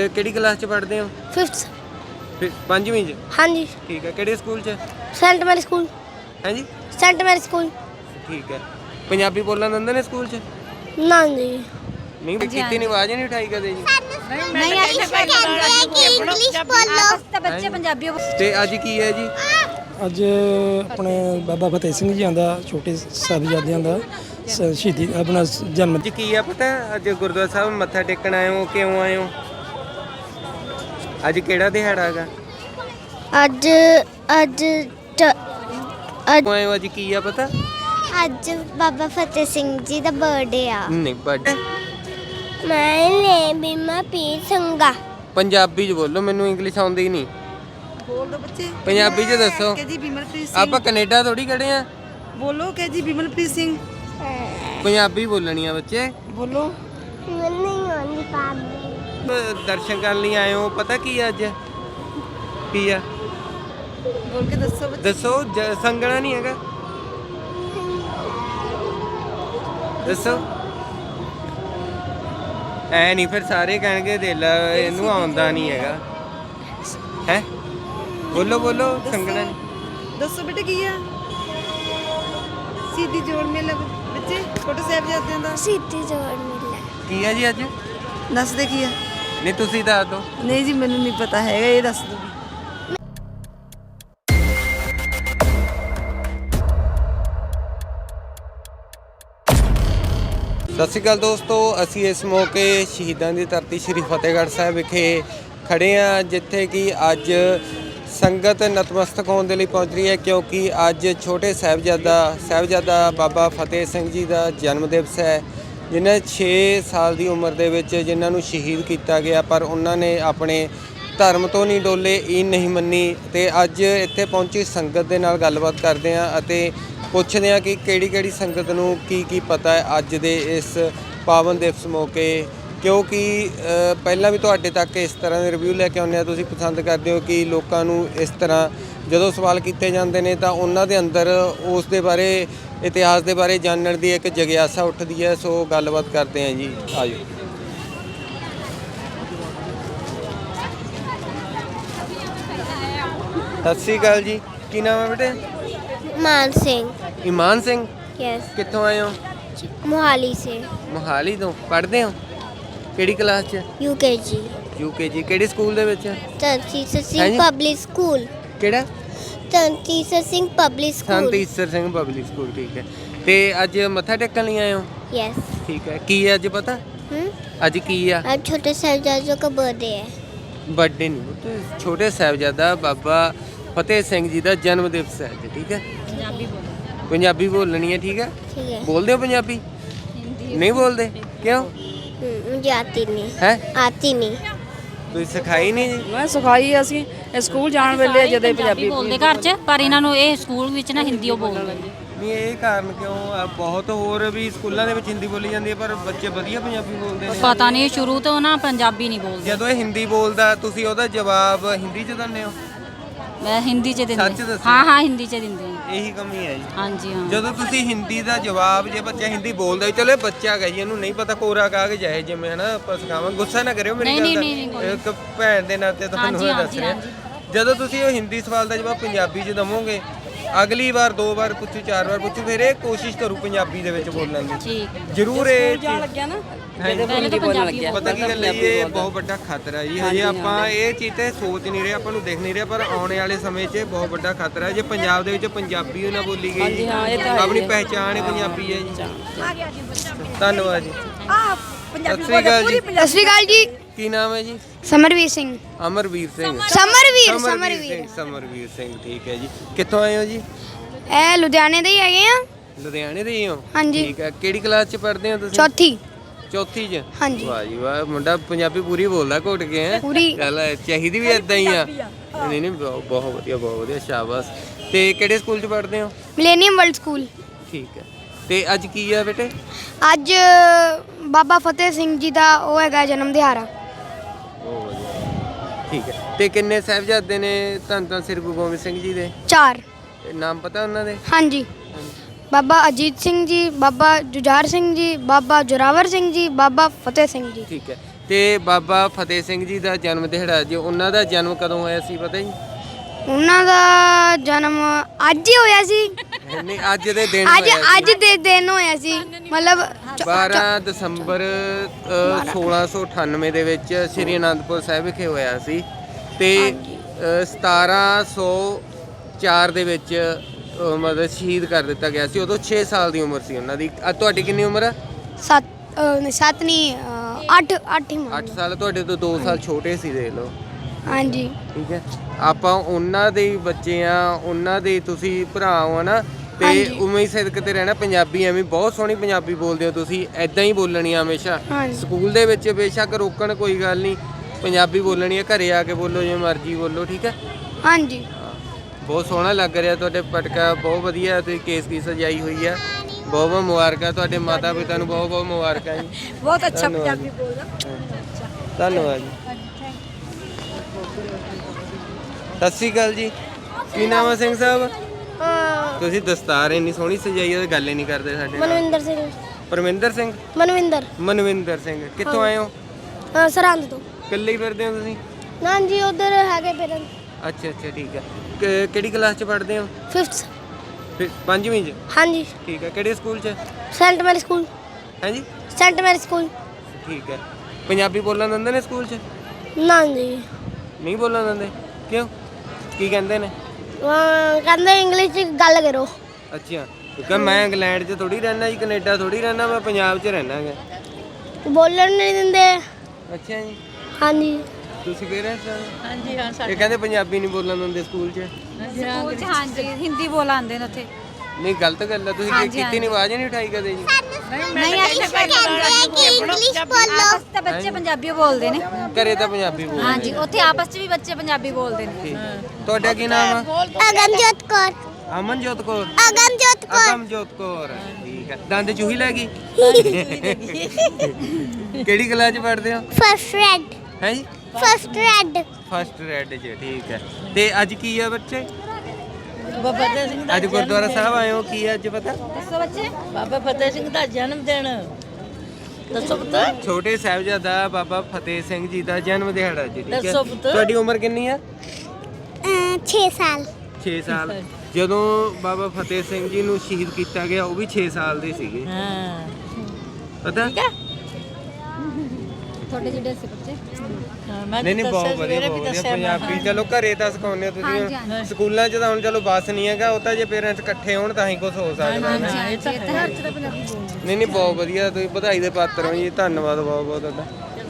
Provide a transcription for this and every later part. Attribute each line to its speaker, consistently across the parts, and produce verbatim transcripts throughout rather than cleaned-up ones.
Speaker 1: ਕਿਹੜੀ ਕਲਾਸ 'ਚ ਪੜ੍ਹਦੇ ਹੋ?
Speaker 2: ਫਿਫਥ
Speaker 1: ਪੰਜਵੀਂ 'ਚ?
Speaker 2: ਹਾਂਜੀ।
Speaker 1: ਠੀਕ ਹੈ, ਕਿਹੜੇ ਸਕੂਲ 'ਚ?
Speaker 2: Saint Mary school.
Speaker 1: ਹੈ ਜੀ?
Speaker 2: Saint Mary school.
Speaker 1: ਠੀਕ ਹੈ। ਪੰਜਾਬੀ ਬੋਲਣ ਦਿੰਦੇ ਨੇ ਸਕੂਲ 'ਚ?
Speaker 2: ਨਾ ਜੀ।
Speaker 1: ਨਹੀਂ ਕੀਤੀ ਨਹੀਂ, ਆਵਾਜ਼ ਨਹੀਂ ਉਠਾਈ ਕਦੇ ਜੀ?
Speaker 3: ਨਹੀਂ ਅਸੀਂ ਕਹਿੰਦੇ ਆ ਕਿ ਇੰਗਲਿਸ਼ ਬੋਲੋ ਤਾਂ ਬੱਚੇ ਪੰਜਾਬੀ।
Speaker 1: ਤੇ ਅੱਜ ਕੀ ਹੈ ਜੀ?
Speaker 4: ਅੱਜ ਆਪਣੇ ਬਾਬਾ ਫਤਿਹ ਸਿੰਘ ਜੀ ਦਾ ਛੋਟੇ ਸਾਹਿਬਜ਼ਾਦਿਆਂ ਦਾ ਸ- ਸ਼ਹੀਦੀ ਆਪਣਾ ਜਨਮ।
Speaker 1: ਅੱਜ ਕੀ ਆ ਪਤਾ? ਅੱਜ ਗੁਰਦੁਆਰਾ ਸਾਹਿਬ ਮੱਥਾ ਟੇਕਣ ਆਏ ਹੋ, ਕਿਉਂ ਆਏ ਹੋ? ਅੱਜ ਕਿਹੜਾ ਦਿਹਾੜਾ ਹੈਗਾ?
Speaker 2: ਅੱਜ ਅੱਜ ਟ- ਅੱਜ
Speaker 1: ਕਿਉਂ ਆਏ ਹੋ? ਅੱਜ ਕੀ ਆ ਪਤਾ?
Speaker 2: ਅੱਜ ਬਾਬਾ ਫਤਿਹ ਸਿੰਘ ਜੀ ਦਾ ਬਰਥਡੇ ਆ।
Speaker 1: ਨਹੀਂ ਬਰਥਡੇ।
Speaker 2: ਮੈਂ ਨੇ ਬੀਮਾ ਪੀ ਸੰਗਾ।
Speaker 1: ਪੰਜਾਬੀ 'ਚ ਬੋਲੋ, ਮੈਨੂੰ ਇੰਗਲਿਸ਼ ਆਉਂਦੀ ਨਹੀਂ।
Speaker 3: ਬੋਲ ਦੋ ਬੱਚੇ।
Speaker 1: ਪੰਜਾਬੀ 'ਚ ਦੱਸੋ।
Speaker 3: ਕੇ ਜੀ ਬਿਮਲਪ੍ਰੀਤ ਸਿੰਘ।
Speaker 1: ਆਪਾਂ ਕੈਨੇਡਾ ਥੋੜੀ ਖੜੇ ਆ।
Speaker 3: ਬੋਲੋ ਕੇ ਜੀ ਬਿਮਲਪ੍ਰੀਤ ਸਿੰਘ।
Speaker 1: ਪੰਜਾਬੀ ਬੋਲਣੀ ਆ ਬੱਚੇ।
Speaker 3: ਬੋਲੋ।
Speaker 2: ਨਹੀਂ ਆਉਂਦੀ ਪਾਬੀ।
Speaker 1: ਦਰਸ਼ਨ ਕਰਨ ਲਈ ਆਏ ਹੋ, ਪਤਾ ਕੀ ਆ ਅੱਜ? ਕੀ ਆ
Speaker 3: ਬੋਲ ਕੇ ਦੱਸੋ ਬੱਚੇ।
Speaker 1: ਦੱਸੋ। ਜ- ਸੰਗਣਾ ਨਹੀਂ ਹੈਗਾ, ਦੱਸੋ। ਐ ਨਹੀਂ ਫਿਰ ਸਾਰੇ ਕਹਿਣਗੇ ਦੇ ਲੈ ਇਹਨੂੰ ਆਉਂਦਾ ਨਹੀਂ ਹੈਗਾ। ਹੈ ਬੋਲੋ ਬੋਲੋ। ਸੰਗਣਾ ਨਹੀਂ।
Speaker 3: ਦੱਸੋ ਬੇਟੇ ਕੀ ਆ? ਸਿੱਧੀ ਜੋੜ ਮੇਲਾ ਬੱਚੇ ਛੋਟੇ ਸਾਹਿਬਜ਼ਾਦਿਆਂ ਦਾ।
Speaker 2: ਸਿੱਧੀ ਜੋੜ ਮਿਲਿਆ।
Speaker 1: ਕੀ ਆ ਜੀ ਅੱਜ?
Speaker 3: ਦੱਸ ਦੇ ਕੀ ਆ?
Speaker 1: ਨਹੀਂ ਤੁਸੀਂ ਦੱਸ ਦਿਓ।
Speaker 3: ਨਹੀਂ ਜੀ ਮੈਨੂੰ ਨਹੀਂ ਪਤਾ ਹੈਗਾ, ਇਹ ਦੱਸ ਦੋ।
Speaker 1: ਸਤਿ ਸ਼੍ਰੀ ਅਕਾਲ ਦੋਸਤੋ, ਅਸੀਂ ਇਸ ਮੌਕੇ ਸ਼ਹੀਦਾਂ ਦੀ ਧਰਤੀ ਸ਼੍ਰੀ ਫਤਿਹਗੜ੍ਹ ਸਾਹਿਬ ਵਿਖੇ ਖੜ੍ਹੇ ਹਾਂ, ਜਿੱਥੇ ਕਿ ਅੱਜ ਸੰਗਤ ਨਤਮਸਤਕ ਹੋਣ ਦੇ ਲਈ ਪਹੁੰਚ ਰਹੀ ਹੈ, ਕਿਉਂਕਿ ਅੱਜ ਛੋਟੇ ਸਾਹਿਬਜ਼ਾਦਾ ਸਾਹਿਬਜ਼ਾਦਾ ਬਾਬਾ ਫਤਿਹ ਸਿੰਘ ਜੀ ਦਾ ਜਨਮ ਦਿਵਸ ਹੈ, ਜਿਨ੍ਹਾਂ ਛੇ ਸਾਲ ਦੀ ਉਮਰ ਦੇ ਵਿੱਚ ਜਿਨ੍ਹਾਂ ਨੂੰ ਸ਼ਹੀਦ ਕੀਤਾ ਗਿਆ, ਪਰ ਉਹਨਾਂ ਨੇ ਆਪਣੇ ਧਰਮ ਤੋਂ ਨਹੀਂ ਡੋਲੇ, ਈਨ ਨਹੀਂ ਮੰਨੀ। ਤੇ ਅੱਜ ਇੱਥੇ ਪਹੁੰਚੀ ਸੰਗਤ ਦੇ ਨਾਲ ਗੱਲਬਾਤ ਕਰਦੇ ਹਾਂ ਅਤੇ ਪੁੱਛਦੇ ਹਾਂ ਕਿ ਕਿਹੜੀ ਕਿਹੜੀ ਸੰਗਤ ਨੂੰ ਕੀ ਕੀ ਪਤਾ ਹੈ ਅੱਜ ਦੇ ਇਸ ਪਾਵਨ ਦਿਵਸ ਮੌਕੇ, ਕਿਉਂਕਿ ਪਹਿਲਾਂ ਵੀ ਤੁਹਾਡੇ ਤੱਕ ਇਸ ਤਰ੍ਹਾਂ ਦੇ ਰਿਵਿਊ ਲੈ ਕੇ ਆਉਂਦੇ ਹਾਂ। ਤੁਸੀਂ ਪਸੰਦ ਕਰਦੇ ਹੋ ਕਿ ਲੋਕਾਂ ਨੂੰ ਇਸ ਤਰ੍ਹਾਂ ਜਦੋਂ ਸਵਾਲ ਕੀਤੇ ਜਾਂਦੇ ਨੇ ਤਾਂ ਉਹਨਾਂ ਦੇ ਅੰਦਰ ਉਸ ਦੇ ਬਾਰੇ, ਇਤਿਹਾਸ ਦੇ ਬਾਰੇ ਜਾਣਨ ਦੀ ਇੱਕ ਜਗਿਆਸਾ ਉੱਠਦੀ ਹੈ। ਸੋ ਗੱਲਬਾਤ ਕਰਦੇ ਹਾਂ ਜੀ, ਆਜੋ। ਸਤਿ ਸ਼੍ਰੀ ਅਕਾਲ ਜੀ, ਕੀ ਨਾਮ ਹੈ ਬੇਟੇ?
Speaker 2: मान सिंह।
Speaker 1: ਇਮਾਨ ਸਿੰਘ।
Speaker 2: यस।
Speaker 1: ਕਿੱਥੋਂ ਆਏ ਹੋ?
Speaker 2: मोहाली से।
Speaker 1: ਮੋਹਾਲੀ ਤੋਂ। ਪੜ੍ਹਦੇ ਹੋ ਕਿਹੜੀ ਕਲਾਸ 'ਚ?
Speaker 2: यूकेजी।
Speaker 1: ਯੂਕੇਜੀ। ਕਿਹੜੇ ਸਕੂਲ ਦੇ ਵਿੱਚ?
Speaker 2: तंतीसर
Speaker 1: हैं
Speaker 2: सिंह
Speaker 1: जी?
Speaker 2: Public school.
Speaker 1: ਕਿਹੜਾ?
Speaker 2: तंतीसर Singh public school.
Speaker 1: Sant Isar Singh public school. ਠੀਕ ਹੈ। ਤੇ ਅੱਜ ਮੱਥਾ ਟੇਕਣ ਲਈ ਆਏ ਹੋ?
Speaker 2: यस।
Speaker 1: ਠੀਕ ਹੈ। ਕੀ ਹੈ ਅੱਜ ਪਤਾ?
Speaker 2: हम्म।
Speaker 1: ਅੱਜ ਕੀ ਆ?
Speaker 2: आज छोटे साहिबजादों का बर्थडे है।
Speaker 1: ਬਰਥਡੇ ਨਹੀਂ, ਤੇ ਛੋਟੇ ਸਾਹਿਬਜ਼ਾਦਾ ਬਾਬਾ ਫਤਿਹ ਸਿੰਘ ਜੀ ਦਾ ਜਨਮ ਦਿਵਸ ਹੈ ਅੱਜ। ਠੀਕ ਹੈ। ਪੰਜਾਬੀ ਬੋਲਣੀ। ਪੰਜਾਬੀ ਬੋਲਣੀ ਹੈ। ਠੀਕ ਹੈ।
Speaker 2: ठीक है।
Speaker 1: ਬੋਲਦੇ ਹੋ ਪੰਜਾਬੀ? ਨਹੀਂ ਬੋਲਦੇ ਕਿਉਂ?
Speaker 2: हम्म, मुझे आती नहीं
Speaker 1: ਹੈ
Speaker 2: आती नहीं।
Speaker 1: ਤੁਸੀਂ ਸਿਖਾਈ ਨਹੀਂ ਜੀ?
Speaker 5: ਮੈਂ ਸਿਖਾਈ ਆ, ਅਸੀਂ ਸਕੂਲ ਜਾਣ ਵੇਲੇ ਜਦੋਂ ਪੰਜਾਬੀ
Speaker 6: ਬੋਲਦੇ ਘਰ 'ਚ, ਪਰ ਇਹਨਾਂ ਨੂੰ ਇਹ ਸਕੂਲ ਵਿੱਚ ਨਾ ਹਿੰਦੀ ਉਹ ਬੋਲਦੇ।
Speaker 1: ਨਹੀਂ, ਇਹ ਕਾਰਨ ਕਿਉਂ ਆ? ਬਹੁਤ ਹੋਰ ਵੀ ਸਕੂਲਾਂ ਦੇ ਵਿੱਚ ਹਿੰਦੀ ਬੋਲੀ ਜਾਂਦੀ ਹੈ, ਪਰ ਬੱਚੇ ਵਧੀਆ ਪੰਜਾਬੀ ਬੋਲਦੇ ਨੇ।
Speaker 6: ਪਤਾ ਨਹੀਂ ਸ਼ੁਰੂ ਤੋਂ ਨਾ ਪੰਜਾਬੀ ਨਹੀਂ ਬੋਲਦੇ।
Speaker 1: ਜਦੋਂ ਇਹ ਹਿੰਦੀ ਬੋਲਦਾ ਤੁਸੀਂ ਉਹਦਾ ਜਵਾਬ ਹਿੰਦੀ 'ਚ ਦਿੰਦੇ ਹੋ?
Speaker 6: ਮੈਂ ਹਿੰਦੀ 'ਚ
Speaker 1: ਸੱਚ
Speaker 6: ਦਿੰਦੇ।
Speaker 1: ਦੱਸੋ।
Speaker 6: ਹਾਂ ਹਾਂ ਹਿੰਦੀ 'ਚ ਦਿੰਦੇ ਹਾਂ।
Speaker 1: ਇਹੀ ਕਮੀ ਹੈ ਜੀ।
Speaker 6: ਹਾਂਜੀ ਹਾਂ।
Speaker 1: ਜਦੋਂ ਤੁਸੀਂ ਹਿੰਦੀ ਦਾ ਜਵਾਬ, ਜੇ ਬੱਚਾ ਹਿੰਦੀ ਬੋਲਦਾ ਵੀ, ਚਲੋ ਇਹ ਬੱਚਾ ਹੈਗਾ ਜੀ, ਇਹਨੂੰ ਨਹੀਂ ਪਤਾ, ਕੋਰਾ ਕਾਗਜ਼ ਹੈ ਜਿਵੇਂ, ਹਨਾ, ਆਪਾਂ ਸਿਖਾਵਾਂ। ਗੁੱਸਾ ਨਾ ਕਰਿਓ ਮੇਰੀ
Speaker 6: ਨਹੀਂ,
Speaker 1: ਗੱਲ
Speaker 6: ਨਹੀਂ,
Speaker 1: ਦਾ,
Speaker 6: ਨਹੀਂ, ਨਹੀਂ, ਕੋਈ
Speaker 1: ਇੱਕ ਭੈਣ ਦੇ ਨਾਤੇ ਤੁਹਾਨੂੰ
Speaker 6: ਹਾਂਜੀ,
Speaker 1: ਇਹ ਦੱਸ
Speaker 6: ਹਾਂਜੀ,
Speaker 1: ਰਿਹਾ।
Speaker 6: ਹਾਂਜੀ।
Speaker 1: ਜਦੋਂ ਤੁਸੀਂ ਉਹ ਹਿੰਦੀ ਸਵਾਲ ਦਾ ਜਵਾਬ ਪੰਜਾਬੀ 'ਚ ਦਵੋਗੇ, ਅਗਲੀ ਵਾਰ ਦੋ ਵਾਰ ਪੁੱਛੂ, ਚਾਰ ਵਾਰ ਪੁੱਛੂ, ਫਿਰ ਇਹ ਕੋਸ਼ਿਸ਼ ਕਰੂ ਪੰਜਾਬੀ ਦੇ ਵਿੱਚ ਬੋਲਣ ਦੀ।
Speaker 6: ਠੀਕ।
Speaker 1: ਜ਼ਰੂਰ ਇਹ
Speaker 5: ਜਾਣ ਲੱਗਿਆ ਨਾ
Speaker 1: ਹਾਂਜੀ।
Speaker 6: ਪਹਿਲੇ ਤਾਂ ਪੰਜਾਬੀ
Speaker 1: ਪਤਾ ਕੀ ਗੱਲ ਹੈ, ਇਹ ਬਹੁਤ ਵੱਡਾ ਖਤਰਾ ਜੀ। ਹਜੇ ਆਪਾਂ ਇਹ ਚੀਜ਼ ਤੇ ਸੋਚ ਨਹੀਂ ਰਹੇ, ਆਪਾਂ ਨੂੰ ਦੇਖ ਨਹੀਂ ਰਹੇ, ਪਰ ਆਉਣ ਵਾਲੇ ਸਮੇਂ 'ਚ ਬਹੁਤ ਵੱਡਾ ਖਤਰਾ ਹੈ ਜੇ ਪੰਜਾਬ ਦੇ ਵਿੱਚ ਪੰਜਾਬੀ ਹੀ ਨਾ ਬੋਲੀ ਗਈ। ਆਪਣੀ ਪਹਿਚਾਣ ਹੀ ਪੰਜਾਬੀ ਹੈ ਜੀ। ਧੰਨਵਾਦ ਜੀ। ਸਤਿ ਸ਼੍ਰੀ ਅਕਾਲ ਜੀ।
Speaker 2: सत श्री अकाल जी।
Speaker 1: ਕੀ ਨਾਮ ਹੈ ਜੀ?
Speaker 2: समरवीर सिंह।
Speaker 1: ਅਮਰਵੀਰ ਸਿੰਘ।
Speaker 2: समरवीर
Speaker 1: ਸਮਰਵੀਰ ਸਿੰਘ। ਸਮਰਵੀਰ ਸਿੰਘ। ਠੀਕ ਹੈ ਜੀ। ਕਿੱਥੋਂ ਆਏ ਹੋ ਜੀ?
Speaker 2: ਇਹ ਲੁਧਿਆਣੇ ਦੇ ਹੀ ਹੈਗੇ ਆ।
Speaker 1: ਲੁਧਿਆਣੇ ਦੇ ਹੀ ਹੋ?
Speaker 2: ਹਾਂਜੀ।
Speaker 1: ਠੀਕ ਹੈ। ਕਿਹੜੀ ਕਲਾਸ 'ਚ ਪੜ੍ਹਦੇ ਹੋ ਤੁਸੀਂ?
Speaker 2: ਚੌਥੀ।
Speaker 1: ਚੌਥੀ 'ਚ?
Speaker 2: ਹਾਂਜੀ।
Speaker 1: ਵਾਹ ਜੀ ਵਾਹ, ਮੁੰਡਾ ਪੰਜਾਬੀ ਪੂਰੀ ਬੋਲਦਾ, ਘੁੱਟ ਕੇ ਹੈ।
Speaker 2: ਪੂਰੀ।
Speaker 1: ਚੱਲ ਚਾਹੀਦੀ ਵੀ ਇਦਾਂ ਹੀ ਆ। ਨਹੀਂ ਨਹੀਂ, ਬਹੁਤ ਬਹੁਤ ਵਧੀਆ, ਬਹੁਤ ਵਧੀਆ, ਸ਼ਾਬਾਸ਼। ਤੇ ਕਿਹੜੇ ਸਕੂਲ 'ਚ ਪੜ੍ਹਦੇ ਹੋ?
Speaker 2: Millennium World School.
Speaker 1: ਠੀਕ ਹੈ। ਤੇ ਅੱਜ ਕੀ ਆ ਬੇਟੇ?
Speaker 2: ਅੱਜ ਬਾਬਾ ਫਤਿਹ ਸਿੰਘ ਜੀ ਦਾ ਉਹ ਹੈਗਾ ਜਨਮ ਦਿਹਾੜਾ।
Speaker 1: ਬਹੁਤ ਵਧੀਆ। ਠੀਕ ਹੈ। ਤੇ ਕਿੰਨੇ ਸਾਹਿਬਜ਼ਾਦੇ ਨੇ ਧੰਨ ਧੰਨ ਸ੍ਰੀ ਗੁਰੂ ਗੋਬਿੰਦ ਸਿੰਘ ਜੀ ਦੇ?
Speaker 2: ਚਾਰ।
Speaker 1: ਤੇ ਨਾਮ ਪਤਾ ਉਹਨਾਂ ਦੇ?
Speaker 2: ਹਾਂਜੀ। ਬਾਬਾ ਅਜੀਤ ਸਿੰਘ ਜੀ, ਬਾਬਾ ਜੁਝਾਰ ਸਿੰਘ ਜੀ, ਬਾਬਾ ਜੋਰਾਵਰ ਸਿੰਘ ਜੀ, ਬਾਬਾ ਫਤਿਹ ਸਿੰਘ ਜੀ।
Speaker 1: ਠੀਕ ਹੈ। ਤੇ ਬਾਬਾ ਫਤਿਹ ਸਿੰਘ ਜੀ ਦਾ ਜਨਮ ਦਿਹਾੜਾ ਜੀ, ਉਹਨਾਂ ਦਾ ਜਨਮ ਕਦੋਂ ਹੋਇਆ ਸੀ ਪਤਾ ਜੀ?
Speaker 2: ਉਹਨਾਂ ਦਾ ਜਨਮ ਅੱਜ ਹੀ ਹੋਇਆ ਸੀ।
Speaker 1: ਨਹੀਂ ਅੱਜ ਦੇ ਦਿਨ
Speaker 2: ਅੱਜ
Speaker 1: ਹੋਇਆ ਸੀ
Speaker 2: ਅੱਜ ਦੇ ਦਿਨ ਹੋਇਆ ਸੀ ਮਤਲਬ ਚ-
Speaker 1: ਬਾਰਾਂ ਦਸੰਬਰ ਅ, ਸੋਲਾਂ ਸੌ ਅਠਾਨਵੇਂ ਦੇ ਵਿੱਚ ਸ੍ਰੀ ਅਨੰਦਪੁਰ ਸਾਹਿਬ ਵਿਖੇ ਹੋਇਆ ਸੀ ਤੇ ਅ, ਸਤਾਰਾਂ ਸੌ ਚਾਰ ਦੇ ਵਿੱਚ ਅ, ਮਤਲਬ ਸ਼ਹੀਦ ਕਰ ਦਿੱਤਾ ਗਿਆ ਸੀ। ਉਦੋਂ ਛੇ ਸਾਲ ਦੀ ਉਮਰ ਸੀ ਉਹਨਾਂ ਦੀ। ਅੱਜ ਤੁਹਾਡੀ ਕਿੰਨੀ ਉਮਰ ਹੈ?
Speaker 2: ਸੱਤ ਅਹ, ਨਹੀਂ, ਸੱਤ ਨਹੀਂ ਅਹ, ਅੱਠ ਅੱਠ ਹੀ ਮੰਨ
Speaker 1: ਅੱਠ
Speaker 2: ਲਓ।
Speaker 1: ਸਾਲ। ਤੁਹਾਡੇ ਤੋਂ ਦੋ ਸਾਲ ਛੋਟੇ ਸੀ, ਦੇਖ ਲਓ।
Speaker 2: ਹਾਂਜੀ
Speaker 1: ਠੀਕ ਹੈ, ਆਪਾਂ ਉਹਨਾਂ ਦੇ ਹੀ ਬੱਚੇ ਆ, ਉਹਨਾਂ ਦੇ ਤੁਸੀਂ ਭਰਾ ਹੋ ਨਾ, ਤੇ
Speaker 2: ਹਾਂਜੀ।
Speaker 1: ਉਵੇਂ ਹੀ ਸਿਦਕ ਤੇ ਰਹਿਣਾ। ਪੰਜਾਬੀ ਐਵੇਂ ਬਹੁਤ ਸੋਹਣੀ ਪੰਜਾਬੀ ਬੋਲਦੇ ਹੋ ਤੁਸੀਂ, ਐਦਾਂ ਹੀ ਬੋਲਣੀ ਆ ਹਮੇਸ਼ਾ।
Speaker 2: ਹਾਂਜੀ।
Speaker 1: ਸਕੂਲ ਦੇ ਵਿੱਚ ਬੇਸ਼ੱਕ ਰੋਕਣ, ਕੋਈ ਗੱਲ ਨਹੀਂ, ਪੰਜਾਬੀ ਬੋਲਣੀ ਹੈ। ਘਰੇ ਆ ਕੇ ਬੋਲੋ, ਜਿਵੇਂ ਮਰਜ਼ੀ ਬੋਲੋ, ਠੀਕ ਹੈ।
Speaker 2: ਹਾਂਜੀ
Speaker 1: ਬਹੁਤ ਸੋਹਣਾ ਲੱਗ ਰਿਹਾ ਤੁਹਾਡੇ ਪਟਕਾ, ਬਹੁਤ ਵਧੀਆ। ਤੁਸੀਂ ਕੇਸ ਕੀ ਸਜਾਈ ਹੋਈ ਆ, ਬਹੁਤ ਬਹੁਤ ਮੁਬਾਰਕਾਂ। ਤੁਹਾਡੇ ਮਾਤਾ ਪਿਤਾ ਨੂੰ ਬਹੁਤ ਬਹੁਤ ਮੁਬਾਰਕਾਂ ਜੀ।
Speaker 3: ਬਹੁਤ ਅੱਛਾ
Speaker 1: ਧੰਨਵਾਦ
Speaker 3: ਪੰਜਾਬੀ
Speaker 1: ਜੀ।
Speaker 3: ਬੋਲਦਾ।
Speaker 1: ਧੰਨਵਾਦ ਜੀ। ਸਤਿ ਸ਼੍ਰੀ ਅਕਾਲ ਜੀ। ਕੀ ਨਾਮ ਹੈ ਸਿੰਘ ਸਾਹਿਬ? ਤੁਸੀਂ ਦਸਤਾਰ ਇੰਨੀ ਸੋਹਣੀ ਸਜਾਈ ਹੈ, ਗੱਲ ਹੀ ਨਹੀਂ ਕਰਦੇ ਸਾਡੇ ਨਾਲ।
Speaker 2: ਮਨਵਿੰਦਰ ਸਿੰਘ
Speaker 1: ਪਰਮਿੰਦਰ ਸਿੰਘ?
Speaker 2: ਮਨਵਿੰਦਰ
Speaker 1: ਮਨਵਿੰਦਰ ਸਿੰਘ। ਕਿੱਥੋਂ ਆਏ ਹੋ?
Speaker 2: ਸਰਹੰਦ ਤੋਂ।
Speaker 1: ਇਕੱਲੇ ਹੀ ਫਿਰਦੇ ਹੋ ਤੁਸੀਂ?
Speaker 2: ਨਾ ਜੀ ਉਧਰ ਹੈਗੇ ਪੇਰੈਂਟ।
Speaker 1: ਅੱਛਾ ਅੱਛਾ, ਠੀਕ ਹੈ। ਕਿ- ਕਿਹੜੀ ਕਲਾਸ 'ਚ ਪੜ੍ਹਦੇ ਹੋ?
Speaker 2: ਫਿਫਥ।
Speaker 1: ਫਿਰ ਪੰਜਵੀਂ 'ਚ?
Speaker 2: ਹਾਂਜੀ
Speaker 1: ਠੀਕ ਹੈ। ਕਿਹੜੇ ਸਕੂਲ 'ਚ?
Speaker 2: Saint Mary school.
Speaker 1: ਹੈ ਜੀ?
Speaker 2: Saint Mary school.
Speaker 1: ਠੀਕ ਹੈ। ਪੰਜਾਬੀ ਬੋਲਣ ਦਿੰਦੇ ਨੇ ਸਕੂਲ 'ਚ?
Speaker 2: ਨਾ ਜੀ
Speaker 1: ਨਹੀਂ ਬੋਲਣ ਦਿੰਦੇ? ਕਿਉਂ? ਕੀ ਕਹਿੰਦੇ ਨੇ?
Speaker 2: ਅਹ ਕਹਿੰਦੇ ਇੰਗਲਿਸ਼ ਚ ਗੱਲ ਕਰੋ।
Speaker 1: ਅੱਛਾ, ਕਿਉਂਕਿ ਮੈਂ ਇੰਗਲੈਂਡ 'ਚ ਥੋੜੀ ਰਹਿਣਾ ਜੀ, ਕੈਨੇਡਾ ਥੋੜੀ ਰਹਿਣਾ, ਮੈਂ ਪੰਜਾਬ 'ਚ ਰਹਿਣਾ ਗਾ।
Speaker 2: ਬੋਲਣ ਨਹੀਂ ਦਿੰਦੇ।
Speaker 1: ਅੱਛਾ ਜੀ।
Speaker 2: ਹਾਂਜੀ
Speaker 1: ਤੁਸੀਂ ਪੇਰੈਂਟਸ?
Speaker 5: ਹਾਂਜੀ ਹਾਂ
Speaker 1: ਇਹ ਕਹਿੰਦੇ ਪੰਜਾਬੀ ਨਹੀਂ ਬੋਲਣ ਦਿੰਦੇ ਸਕੂਲ 'ਚ।
Speaker 3: ਸਕੂਲ 'ਚ ਹਾਂਜੀ ਹਿੰਦੀ ਬੋਲਾਉਂਦੇ ਨੇ ਉੱਥੇ।
Speaker 1: ਨਹੀਂ, ਗਲਤ ਗੱਲ ਆ। ਤੁਸੀਂ ਕੀ ਕੀਤੀ ਨਹੀਂ, ਆਵਾਜ਼ ਨਹੀਂ ਉਠਾਈ ਕਦੇ ਜੀ?
Speaker 3: ਨਹੀਂ ਅਸੀਂ ਕਹਿੰਦੇ ਆ ਕਿ ਇੰਗਲਿਸ਼ ਬੋਲੋ। ਆਪਸ ਤਾਂ ਬੱਚੇ ਪੰਜਾਬੀ ਬੋਲਦੇ ਨੇ।
Speaker 1: ਘਰੇ ਤਾਂ ਪੰਜਾਬੀ ਬੋਲਦੇ
Speaker 3: ਹਾਂਜੀ, ਉੱਥੇ ਆਪਸ 'ਚ ਵੀ ਬੱਚੇ ਪੰਜਾਬੀ ਬੋਲਦੇ ਨੇ।
Speaker 1: ਠੀਕ। ਤੁਹਾਡਾ ਕੀ ਨਾਮ ਆ?
Speaker 2: ਅਗਮਜੋਤ ਕੌਰ।
Speaker 1: ਅਮਨਜੋਤ ਕੌਰ?
Speaker 2: ਅਗਮਜੋਤ ਕੌਰ।
Speaker 1: ਅਗਮਜੋਤ ਕੌਰ, ਠੀਕ ਹੈ। ਦੰਦ ਚੂਹੀ ਲੈ ਗਈ? ਕਿਹੜੀ ਕਲਾਸ 'ਚ ਪੜ੍ਹਦੇ ਹੋ?
Speaker 2: First red.
Speaker 1: ਹੈ ਜੀ?
Speaker 2: First rate.
Speaker 1: ਫਸਟ ਰੈਡ 'ਚ, ਠੀਕ ਹੈ। ਤੇ ਅੱਜ ਕੀ ਆ ਬੱਚੇ?
Speaker 5: ਬਾਬਾ ਫਤਿਹ ਸਿੰਘ
Speaker 1: ਅੱਜ ਗੁਰਦੁਆਰਾ ਸਾਹਿਬ ਆਏ ਹੋ, ਕੀ ਆ ਅੱਜ ਪਤਾ?
Speaker 3: ਦੱਸੋ ਬੱਚੇ।
Speaker 5: ਬਾਬਾ ਫਤਿਹ ਸਿੰਘ ਦਾ ਜਨਮ ਦਿਨ ਦੱਸੋ ਪੁੱਤ।
Speaker 1: ਛੋਟੇ ਸਾਹਿਬਜ਼ਾਦਾ ਬਾਬਾ ਫਤਿਹ ਸਿੰਘ ਜੀ ਦਾ ਜਨਮ ਦਿਹਾੜਾ ਜੀ, ਠੀਕ ਹੈ।
Speaker 5: ਦੱਸੋ ਪੁੱਤ।
Speaker 1: ਤੁਹਾਡੀ ਉਮਰ ਕਿੰਨੀ ਆ?
Speaker 2: ਛੇ ਸਾਲ।
Speaker 1: ਛੇ ਸਾਲ। ਜਦੋਂ ਬਾਬਾ ਫਤਿਹ ਸਿੰਘ ਜੀ ਨੂੰ ਸ਼ਹੀਦ ਕੀਤਾ ਗਿਆ, ਉਹ ਵੀ ਛੇ ਸਾਲ ਦੇ ਸੀਗੇ,
Speaker 5: ਹਾਂ
Speaker 1: ਪਤਾ?
Speaker 3: ਤੁਹਾਡੇ ਜਿਹੜੇ ਸੀ ਬੱਚੇ।
Speaker 5: ਹਾਂ, ਮੈਂ
Speaker 1: ਨਹੀਂ ਨਹੀਂ,
Speaker 5: ਦੱਸਿਆ
Speaker 1: ਬਹੁਤ ਵਧੀਆ,
Speaker 5: ਸਵੇਰੇ
Speaker 1: ਬਹੁਤ
Speaker 5: ਵੀ
Speaker 1: ਵਧੀਆ।
Speaker 5: ਦੱਸਿਆ ਮੈਂ।
Speaker 1: ਪੰਜਾਬੀ ਚਲੋ ਘਰੇ ਤਾਂ ਸਿਖਾਉਂਦੇ ਹੋ
Speaker 3: ਹਾਂਜੀ,
Speaker 1: ਤੁਸੀਂ,
Speaker 3: ਹਾਂਜੀ।
Speaker 1: ਸਕੂਲਾਂ 'ਚ ਤਾਂ ਹੁਣ ਚਲੋ ਬੱਸ ਨਹੀਂ ਹੈਗਾ, ਉਹ ਤਾਂ ਜੇ ਪੇਰੈਂਟਸ ਇਕੱਠੇ ਹੋਣ ਤਾਂ ਹੀ ਕੁਝ ਹੋ ਸਕਦਾ ਹੈ ਨਾ।
Speaker 5: ਹਾਂ, ਇਹ ਤਾਂ ਹੈ।
Speaker 1: ਨਹੀਂ ਨਹੀਂ, ਬਹੁਤ ਵਧੀਆ, ਤੁਸੀਂ ਵਧਾਈ ਦੇ ਪਾਤਰ ਹੋ ਜੀ। ਧੰਨਵਾਦ ਬਹੁਤ ਬਹੁਤ ਤੁਹਾਡਾ।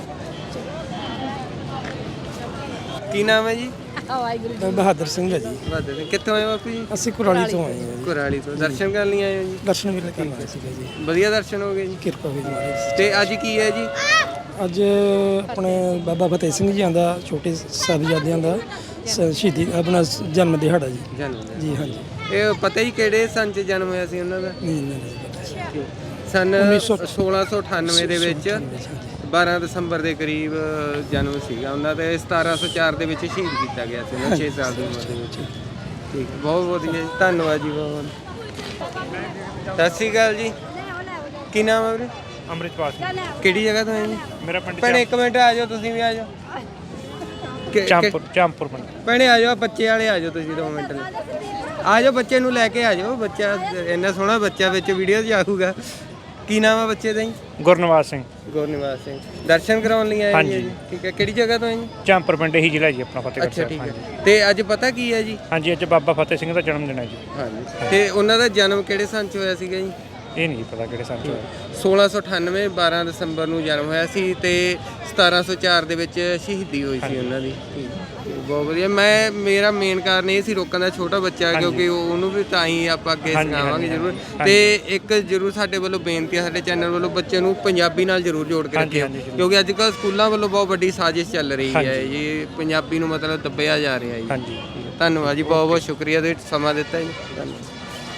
Speaker 1: ਕੀ ਨਾਮ ਹੈ ਜੀ?
Speaker 4: ਮੈਂ ਬਹਾਦਰ ਸਿੰਘ ਹੈ ਜੀ।
Speaker 1: ਬਹਾਦਰ ਸਿੰਘ। ਕਿੱਥੋਂ ਆਏ ਹੋ ਬਾਪੂ ਜੀ?
Speaker 4: ਅਸੀਂ ਕੁਰਾਲੀ ਤੋਂ ਆਏ ਹਾਂ ਜੀ।
Speaker 1: ਕੁਰਾਲੀ ਤੋਂ। ਦਰਸ਼ਨ ਕਰਨ ਲਈ ਆਏ ਹੋ ਜੀ?
Speaker 4: ਦਰਸ਼ਨ ਵੇਲੇ ਕਰਨ ਆਏ ਸੀਗੇ ਜੀ।
Speaker 1: ਵਧੀਆ ਦਰਸ਼ਨ ਹੋ ਗਏ ਜੀ?
Speaker 4: ਕਿਰਪਾ ਹੋਈ ਜੀ ਮਹਾਰਾਜ ਦੀ।
Speaker 1: ਤੇ ਅੱਜ ਕੀ ਹੈ ਜੀ?
Speaker 4: ਅੱਜ ਆਪਣੇ ਬਾਬਾ ਫਤਿਹ ਸਿੰਘ ਜੀ ਦਾ, ਛੋਟੇ ਸਾਹਿਬਜ਼ਾਦਿਆਂ ਦਾ ਸ- ਸ਼ਹੀਦੀ ਆਪਣਾ ਜਨਮ ਦਿਹਾੜਾ ਜੀ।
Speaker 1: ਜਨਮ ਦਿਨ।
Speaker 4: ਜੀ ਹਾਂਜੀ।
Speaker 1: ਇਹ ਪਤਾ ਹੀ ਕਿਹੜੇ ਸੰਨ 'ਚ ਜਨਮ ਹੋਇਆ ਸੀ ਉਹਨਾਂ ਦਾ?
Speaker 4: ਨਹੀਂ ਨਹੀਂ ਨਹੀਂ ਪਤਾ ਸੀ।
Speaker 1: ਸਨ
Speaker 4: ਉੱਨੀ ਸੌ
Speaker 1: ਸੋਲਾਂ ਸੌ ਅਠਾਨਵੇਂ ਦੇ ਵਿੱਚ ਬਾਰਾਂ ਦਸੰਬਰ ਦੇ ਕਰੀਬ ਜਨਮ ਸੀਗਾ ਉਹਨਾਂ ਦਾ। ਸਤਾਰਾਂ ਸੌ ਚਾਰ ਦੇ ਵਿੱਚ ਸ਼ਹੀਦ ਕੀਤਾ ਗਿਆ ਸੀ ਉਹਨਾਂ ਛੇ ਸਾਲ ਦੀ ਉਮਰ ਦੇ ਵਿੱਚ। ਠੀਕ, ਬਹੁਤ ਵਧੀਆ ਜੀ, ਧੰਨਵਾਦ ਜੀ ਬਹੁਤ ਬਹੁਤ। ਸਤਿ ਸ਼੍ਰੀ ਅਕਾਲ ਜੀ। ਕੀ ਨਾਮ ਹੈ ਵੀਰੇ?
Speaker 7: ਅੰਮ੍ਰਿਤਪਾਲ ਸਿੰਘ।
Speaker 1: ਕਿਹੜੀ ਜਗ੍ਹਾ ਤੋਂ ਹੈ ਜੀ?
Speaker 7: ਮੇਰਾ ਪਿੰਡ
Speaker 1: ਭੈਣੇ ਇੱਕ ਮਿੰਟ ਆ ਜਾਓ, ਤੁਸੀਂ ਵੀ ਆ ਜਾਓ। ਕਿ- ਕਿ-
Speaker 7: ਚਾਂਪੁਰ ਚਾਂਪੁਰ ਪਿੰਡ।
Speaker 1: ਭੈਣੇ ਆ ਜਾਓ, ਬੱਚੇ ਵਾਲੇ ਆ ਜਾਓ ਤੁਸੀਂ ਦੋ ਮਿੰਟ ਲਈ। ਆ ਜਾਓ, ਬੱਚੇ ਨੂੰ ਲੈ ਕੇ ਆ ਜਾਓ। ਬੱਚਾ ਇੰਨਾ ਸੋਹਣਾ ਬੱਚਾ ਵਿੱਚ ਵੀਡੀਓ 'ਚ ਆਊਗਾ। ਕੀ ਨਾਮ ਆ ਬੱਚੇ ਦਾ ਜੀ?
Speaker 7: ਗੁਰਨਿਵਾਸ ਸਿੰਘ।
Speaker 1: ਗੁਰਨਿਵਾਸ ਸਿੰਘ। ਦਰਸ਼ਨ ਕਰਾਉਣ ਲਈ ਆਏ
Speaker 7: ਹਾਂਜੀ।
Speaker 1: ਜੀ? ਠੀਕ ਹੈ। ਕਿਹੜੀ ਜਗ੍ਹਾ ਤੋਂ ਹੈ ਜੀ?
Speaker 7: ਚਾਂਪੁਰ ਪਿੰਡ ਹੀ ਜ਼ਿਲ੍ਹਾ ਜੀ ਆਪਣਾ ਫਤਿਹਗੜ੍ਹ
Speaker 1: ਅੱਛਾ,
Speaker 7: ਸਾਹਿਬ।
Speaker 1: ਠੀਕ
Speaker 7: ਹਾਂਜੀ
Speaker 1: ਹੈ। ਤੇ ਅੱਜ ਪਤਾ ਕੀ ਹੈ ਜੀ?
Speaker 7: ਹਾਂਜੀ, ਅੱਜ ਬਾਬਾ ਫਤਿਹ ਸਿੰਘ ਦਾ ਜਨਮ ਦਿਨ ਹੈ ਜੀ।
Speaker 1: ਹਾਂਜੀ। ਤੇ ਉਹਨਾਂ ਦਾ ਜਨਮ ਕਿਹੜੇ ਸੰਨ 'ਚ ਹੋਇਆ ਸੀਗਾ ਜੀ?
Speaker 7: ਇਹ ਨਹੀਂ ਪਤਾ ਕਿਹੜੇ ਸਾਲ ਚ ਹੋਇਆ।
Speaker 1: ਸੋਲਾਂ ਸੌ ਅਠਾਨਵੇਂ ਬਾਰਾਂ ਦਸੰਬਰ ਨੂੰ ਜਨਮ ਹੋਇਆ ਸੀ ਤੇ ਸਤਾਰਾਂ ਸੌ ਚਾਰ ਦੇ ਵਿੱਚ ਸ਼ਹੀਦੀ ਹੋਈ ਸੀ ਉਹਨਾਂ ਦੀ। ਬਹੁਤ ਵਧੀਆ। ਮੈਂ ਮੇਰਾ ਮੇਨ ਕਾਰਨ ਇਹ ਸੀ ਰੋਕਣ ਦਾ, ਛੋਟਾ ਬੱਚਾ ਕਿਉਂਕਿ ਉਹ- ਉਹਨੂੰ ਵੀ ਤਾਂ ਹੀ ਆਪਾਂ ਅੱਗੇ
Speaker 7: ਹਾਂਜੀ,
Speaker 1: ਸਿਖਾਵਾਂਗੇ
Speaker 7: ਹਾਂਜੀ,
Speaker 1: ਜ਼ਰੂਰ।
Speaker 7: ਹਾਂਜੀ।
Speaker 1: ਤੇ ਇੱਕ ਜ਼ਰੂਰ ਸਾਡੇ ਵੱਲੋਂ ਬੇਨਤੀ ਹੈ, ਸਾਡੇ ਚੈਨਲ ਵੱਲੋਂ ਬੱਚੇ ਨੂੰ ਪੰਜਾਬੀ ਨਾਲ ਜ਼ਰੂਰ ਜੋੜ ਕੇ
Speaker 7: ਹਾਂਜੀ,
Speaker 1: ਰੱਖਿਓ,
Speaker 7: ਹਾਂਜੀ, ਜ਼ਰੂਰ।
Speaker 1: ਕਿਉਂਕਿ ਅੱਜ ਕੱਲ੍ਹ ਸਕੂਲਾਂ ਵੱਲੋਂ ਬਹੁਤ ਵੱਡੀ ਸਾਜ਼ਿਸ਼ ਚੱਲ ਰਹੀ ਹੈ
Speaker 7: ਹਾਂਜੀ।
Speaker 1: ਜੀ, ਪੰਜਾਬੀ ਨੂੰ ਮਤਲਬ ਦੱਬਿਆ ਜਾ ਰਿਹਾ ਜੀ।
Speaker 7: ਹਾਂਜੀ।
Speaker 1: ਧੰਨਵਾਦ ਜੀ, ਬਹੁਤ ਬਹੁਤ ਸ਼ੁਕਰੀਆ ਤੁਸੀਂ ਸਮਾਂ ਦਿੱਤਾ ਜੀ। ਧੰਨਵਾਦ।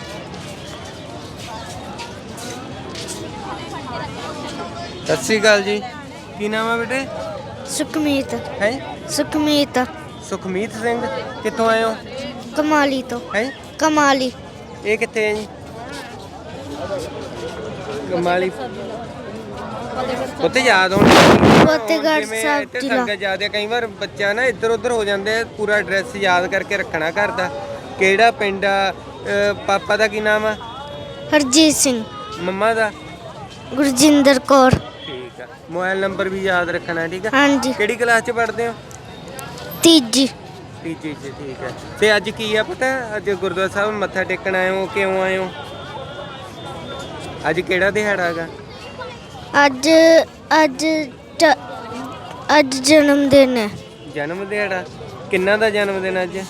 Speaker 1: ਸਤਿ ਸ਼੍ਰੀ ਅਕਾਲ ਜੀ। ਕੀ ਨਾਮ ਹੈ ਬੇਟੇ?
Speaker 2: ਸੁਖਮੀਤ।
Speaker 1: ਹੈ
Speaker 2: ਸੁਖਮੀਤ।
Speaker 1: ਸੁਖਮੀਤ ਸਿੰਘ। ਕਿੱਥੋਂ ਆਏ ਹੋ?
Speaker 2: ਕਮਾਲੀ ਤੋਂ।
Speaker 1: ਹੈ
Speaker 2: ਕਮਾਲੀ।
Speaker 1: ਇਹ ਕਿੱਥੇ ਹੈ ਜੀ? ਕਮਾਲੀ। ਉੱਥੇ ਯਾਦ ਹੋਣੀ
Speaker 2: ਫਤਿਹਗੜ੍ਹ
Speaker 1: ਜਿਵੇਂ
Speaker 2: ਸਾਹਿਬ
Speaker 1: ਇੱਥੇ
Speaker 2: ਜ਼ਿਲ੍ਹਾ।
Speaker 1: ਸੰਗਤ ਯਾਦ ਹੈ ਕਈ ਵਾਰ ਬੱਚਾ ਨਾ ਇੱਧਰ ਉੱਧਰ ਹੋ ਜਾਂਦੇ ਆ, ਪੂਰਾ ਐਡਰੈਸ ਯਾਦ ਕਰਕੇ ਰੱਖਣਾ ਘਰ ਦਾ। ਕਿਹੜਾ ਪਿੰਡ ਆ? ਅ, ਪਾਪਾ ਦਾ ਕੀ ਨਾਮ ਆ?
Speaker 2: ਹਰਜੀਤ ਸਿੰਘ।
Speaker 1: ਮੰਮਾ ਦਾ?
Speaker 2: ਗੁਰਜਿੰਦਰ ਕੌਰ।
Speaker 1: ਠੀਕ ਆ। ਮੋਬਾਈਲ ਨੰਬਰ ਵੀ ਯਾਦ ਰੱਖਣਾ, ਠੀਕ ਆ।
Speaker 2: ਹਾਂਜੀ।
Speaker 1: ਕਿਹੜੀ ਕਲਾਸ 'ਚ ਪੜ੍ਹਦੇ ਹੋ?
Speaker 2: ਤੀਜੀ।
Speaker 1: ਤੀਜੀ 'ਚ, ਠੀਕ ਹੈ। ਤੇ ਅੱਜ ਕੀ ਆ ਪਤਾ? ਅੱਜ ਗੁਰਦੁਆਰਾ ਸਾਹਿਬ ਮੱਥਾ ਟੇਕਣ ਆਏ ਹੋ, ਕਿਉਂ ਆਏ ਹੋ? ਅੱਜ ਕਿਹੜਾ ਦਿਹਾੜਾ ਹੈਗਾ?
Speaker 2: ਅੱਜ ਅੱਜ ਜ- ਅੱਜ ਜਨਮ ਦਿਨ ਹੈ
Speaker 1: ਜਨਮ ਦਿਹਾੜਾ? ਕਿੰਨਾ ਦਾ ਜਨਮ ਦਿਨ ਅੱਜ?